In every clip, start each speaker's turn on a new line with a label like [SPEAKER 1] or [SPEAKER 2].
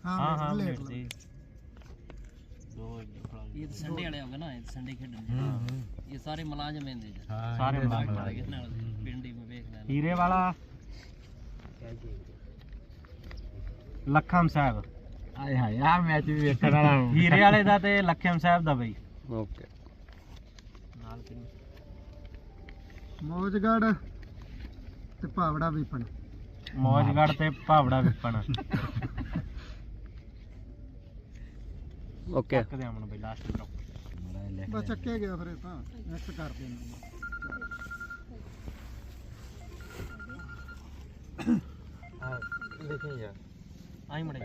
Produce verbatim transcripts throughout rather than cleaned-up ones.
[SPEAKER 1] हाँ हाँ मिनट दी दो
[SPEAKER 2] ये तो संडे वाले होंगे ना, ये संडे खेलने ये सारे मुलाजिम हैं दे
[SPEAKER 1] सारे मुलाजिम
[SPEAKER 2] पिंडी में देख लेना।
[SPEAKER 1] हीरे वाला लखम साहब
[SPEAKER 3] ਆਏ ਹਾਏ ਆ ਮੈਚ ਵੀ ਵੇਖਣ ਵਾਲਾ
[SPEAKER 1] ਹੀਰੇ ਵਾਲੇ ਦਾ ਤੇ ਲਖਮ ਸਾਹਿਬ ਦਾ ਬਈ
[SPEAKER 3] ਓਕੇ
[SPEAKER 1] ਨਾਲ
[SPEAKER 4] ਮੌਜਗੜ ਤੇ ਭਾਵੜਾ ਵਿਪਨ
[SPEAKER 1] ਮੌਜਗੜ ਤੇ ਭਾਵੜਾ ਵਿਪਨ
[SPEAKER 3] ਓਕੇ
[SPEAKER 1] ਚੱਕ ਦੇ ਅਮਨ ਬਈ ਲਾਸਟ ਬਰੋ
[SPEAKER 4] ਬਸ ਚੱਕੇ ਗਿਆ ਫਿਰ ਇਹ ਤਾਂ ਨੈਕਸਟ ਕਰ ਦੇਣਾ
[SPEAKER 3] ਆ ਦੇਖੀ ਯਾਰ
[SPEAKER 1] ਆਈ ਮੜੇ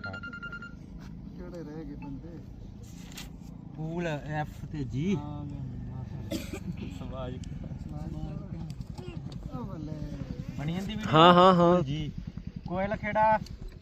[SPEAKER 4] ਕਿਹੜੇ ਰਹਿ ਗਏ ਬੰਦੇ
[SPEAKER 1] ਪੂਲ ਐਫ ਤੇ ਜੀ ਸਵਾਜ
[SPEAKER 4] ਉਹ ਬੱਲੇ
[SPEAKER 1] ਬਣੀ ਜਾਂਦੀ ਵੀਡੀਓ
[SPEAKER 3] ਹਾਂ ਹਾਂ ਹਾਂ
[SPEAKER 1] ਜੀ ਕੋਇਲ ਖੇੜਾ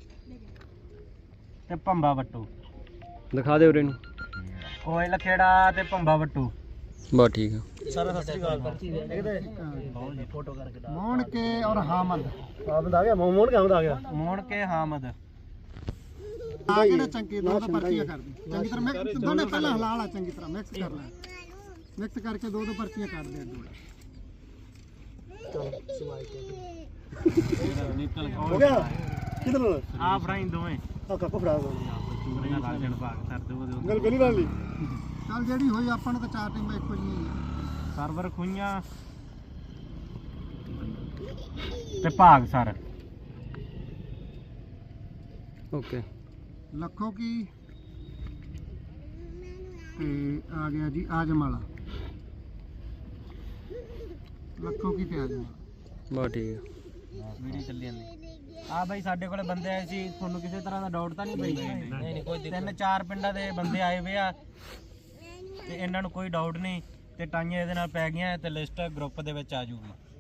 [SPEAKER 1] ਤੇ ਭੰਬਾ ਵੱਟੂ
[SPEAKER 3] ਦਿਖਾ ਦੇ ਉਰੇ ਨੂੰ
[SPEAKER 1] ਕੋਇਲ ਖੇੜਾ ਤੇ ਭੰਬਾ ਵੱਟੂ
[SPEAKER 3] ਬਸ ਠੀਕ ਆ
[SPEAKER 1] ਸਾਰਾ ਸਤਿ ਸ੍ਰੀ ਅਕਾਲ ਫੋਟੋ ਕਰਕੇ
[SPEAKER 4] ਮੋਹਣ ਕੇ ਔਰ ਹਾਮਦ
[SPEAKER 1] ਆਮਦ ਆ ਗਿਆ ਮੋਹਣ ਕੇ ਆਮਦ ਆ ਗਿਆ ਮੋਹਣ ਕੇ ਹਾਮਦ
[SPEAKER 4] ਆ ਕਿਹੜਾ ਚੰਗੀ ਦੋ ਦੋ ਪਰਚੀਆਂ ਕਰ ਦੇ ਚੰਗੀ ਤਰ੍ਹਾਂ ਮਿਕਸ ਦੋਨੇ ਪਹਿਲਾਂ ਹਿਲਾ ਲਾ ਚੰਗੀ ਤਰ੍ਹਾਂ ਮਿਕਸ ਕਰ ਲੈ ਮਿਕਸ ਕਰਕੇ ਦੋ ਦੋ ਪਰਚੀਆਂ ਕੱਢ ਦੇ ਦੋ
[SPEAKER 1] ਹੋ ਗਿਆ ਕਿਧਰ ਆ ਫਰਾਈ ਦੋਵੇਂ ਆ ਕੱਪ ਫੜਾ ਦੋ ਚੂਰੀਆਂ ਨਾਲ ਜਣ ਭਾਗ ਕਰ ਦੋ ਉਹਦੇ ਗੱਲ ਪਹਿਲੀ ਵਾਲੀ
[SPEAKER 4] ਚੱਲ ਜਿਹੜੀ ਹੋਈ ਆਪਾਂ ਨੂੰ ਤਾਂ ਚਾਰ ਟੀਮਾਂ ਇੱਕੋ ਜਿਹੀਆਂ ਹੀ ਆ
[SPEAKER 1] ਸਰਵਰ ਖੁਈਆਂ ਤੇ ਭਾਗ ਸਰ
[SPEAKER 3] ਓਕੇ
[SPEAKER 4] ਲੱਖੋ ਕੀ ਤੇ ਆ ਗਿਆ ਜੀ ਆਜਮ ਵਾਲਾ ਲੱਖੋ ਕੀ ਤੇ ਆਜਮ
[SPEAKER 3] ਬਸ ਠੀਕ ਆ
[SPEAKER 1] ਵੀਡੀਓ ਚੱਲੀ ਜਾਂਦੀ ਆ ਬਾਈ ਸਾਡੇ ਕੋਲੇ ਬੰਦੇ ਆਏ ਸੀ ਤੁਹਾਨੂੰ ਕਿਸੇ ਤਰ੍ਹਾਂ ਦਾ ਡਾਊਟ ਤਾਂ ਨਹੀਂ ਪਈ ਨਹੀਂ ਨਹੀਂ ਕੋਈ ਤਿੰਨ ਚਾਰ ਪਿੰਡਾਂ ਦੇ ਬੰਦੇ ਆਏ ਵੇ ਆ ਤੇ ਇਹਨਾਂ ਨੂੰ ਕੋਈ ਡਾਊਟ ਨਹੀਂ ਤੇ ਟਾਈਆਂ ਇਹਦੇ ਨਾਲ ਪੈ ਗਈਆਂ ਤੇ ਲਿਸਟ ਗਰੁੱਪ ਦੇ ਵਿੱਚ ਆ ਜੂਗੀ